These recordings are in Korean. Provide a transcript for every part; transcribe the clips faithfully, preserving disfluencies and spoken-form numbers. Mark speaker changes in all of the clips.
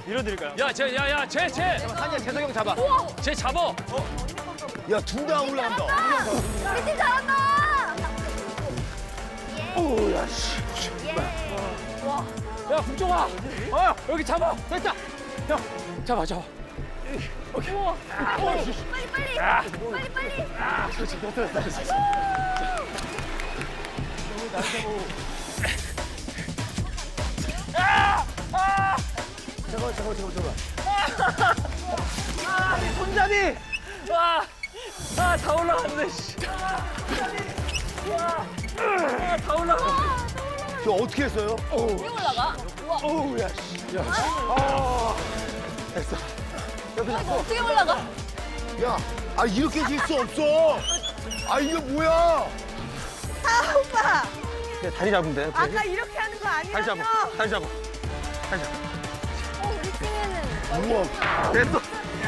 Speaker 1: 밀어드릴까요?
Speaker 2: 야, 쟤, 야, 야, 쟤, 쟤.
Speaker 1: 산이야, 재석이 형 잡아.
Speaker 2: 쟤 잡어.
Speaker 3: 야, 둘 다 올라간다.
Speaker 4: 우리 팀 잘한다.
Speaker 3: 오, 야, 씨.
Speaker 2: 야, 국종아. 어, 여기 잡아. 됐다. 형, 잡아, 잡아.
Speaker 4: 빨리 빨리. 빨리 빨리.
Speaker 3: 잠깐만, 잠깐만, 잠깐만, 잠깐만.
Speaker 2: 손잡이. 아, 아, 다 올라갔네. 씨. 아, 다 올라가.
Speaker 3: 저 어떻게 했어요?
Speaker 4: 어떻게 올라가? 우와.
Speaker 3: 어우, 야, 씨. 야,
Speaker 4: 아, 이거 어떻게 올라가?
Speaker 3: 야, 아, 이렇게 질 수 없어. 아, 이게 뭐야?
Speaker 4: 아 오빠.
Speaker 1: 네, 다리 잡으면 돼.
Speaker 4: 아까 이렇게 하는 거
Speaker 1: 다리
Speaker 4: 아니라며?
Speaker 1: 잡아. 다리 잡아.
Speaker 4: 어, 우리 팀에는
Speaker 3: 우와.
Speaker 1: 됐어.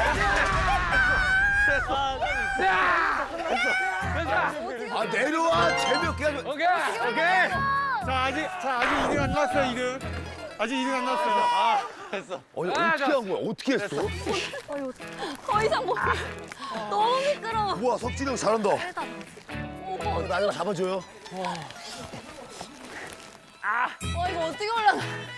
Speaker 3: 아, 내려와. 재미없게 하지 마.
Speaker 2: 오케이.
Speaker 1: 오케이. 자, 아직, 자, 아직 이 등 안 나왔어요, 이 등. 아직 이 등 안 나왔어요. 아, 됐어.
Speaker 3: 어, 야,
Speaker 2: 아,
Speaker 3: 어떻게
Speaker 2: 자,
Speaker 3: 한 거야? 어떻게 했어?
Speaker 4: 어휴, 더 이상 못. 너무 미끄러워.
Speaker 3: 우와, 석진이 형 잘한다.
Speaker 4: 어,
Speaker 3: 나 이거 잡아줘요.
Speaker 4: 어 이거 어떻게 올라가?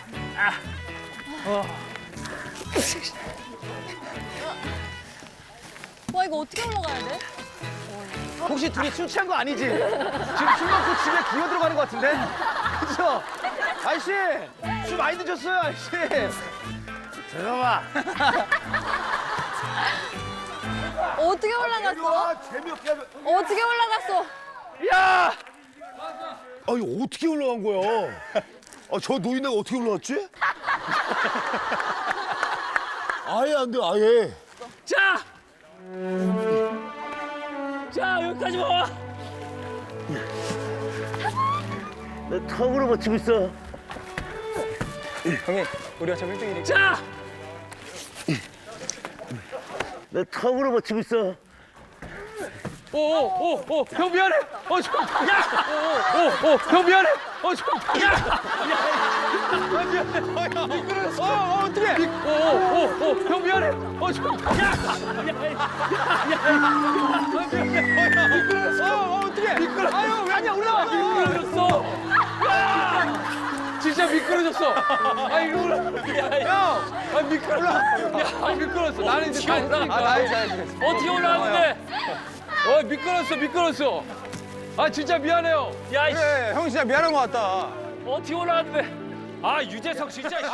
Speaker 4: 와 이거 어떻게 올라가야 돼?
Speaker 1: 혹시 둘이 술 취한 거 아니지? 지금 술 먹고 집에 기어 들어가는 거 같은데? 그죠? 아저씨! 술 많이 드셨어요, 아저씨!
Speaker 3: 잠깐만.
Speaker 4: 어떻게 올라갔어?
Speaker 3: 내려와. 재미없게 하지 마.
Speaker 4: 어떻게 올라갔어?
Speaker 2: 야!
Speaker 3: 아, 이거 어떻게 올라간 거야? 아, 저 노인네가 어떻게 올라갔지? 아예 안 돼, 아예.
Speaker 2: 자! 자, 여기까지 와.
Speaker 3: 나 턱으로 버티고 있어.
Speaker 1: 형님, 우리가 지금 일 등이니까.
Speaker 2: 자!
Speaker 3: 나 턱으로 버티고 있어.
Speaker 2: 오, 오, 오, 오, 형 미안해. 어, 좀, 야! 오, 오, 오, 형 미안해. 어, 좀, 야! 야, 미안해. 어, 야, 미끄러졌어. 어, 어, 어떡해. 미, 오, 오, 오, 오, 형 미안해. 어, 좀, 야! 야, 야, 야, 야, 미안해. 어, 야, 미끄러졌어. 어, 어, 어떡해. 미끄러. 아유, 왜 아니야, 올라와. 미끄러졌어. 야! 진짜 미끄러졌어. 아, 이거 올라. 야, 야. 아, 미끄러. 야, 아, 미끄러졌어. 나는 이제 다 했으니까.
Speaker 1: 아, 나이 잘했어.
Speaker 2: 어떻게 올라왔는데? 어, 미끄러졌어, 미끄러졌어. 아, 진짜 미안해요. 야, 이씨.
Speaker 1: 그래, 형 진짜 미안한 거 같다.
Speaker 2: 어떻게 올라왔는데? 아, 유재석 진짜.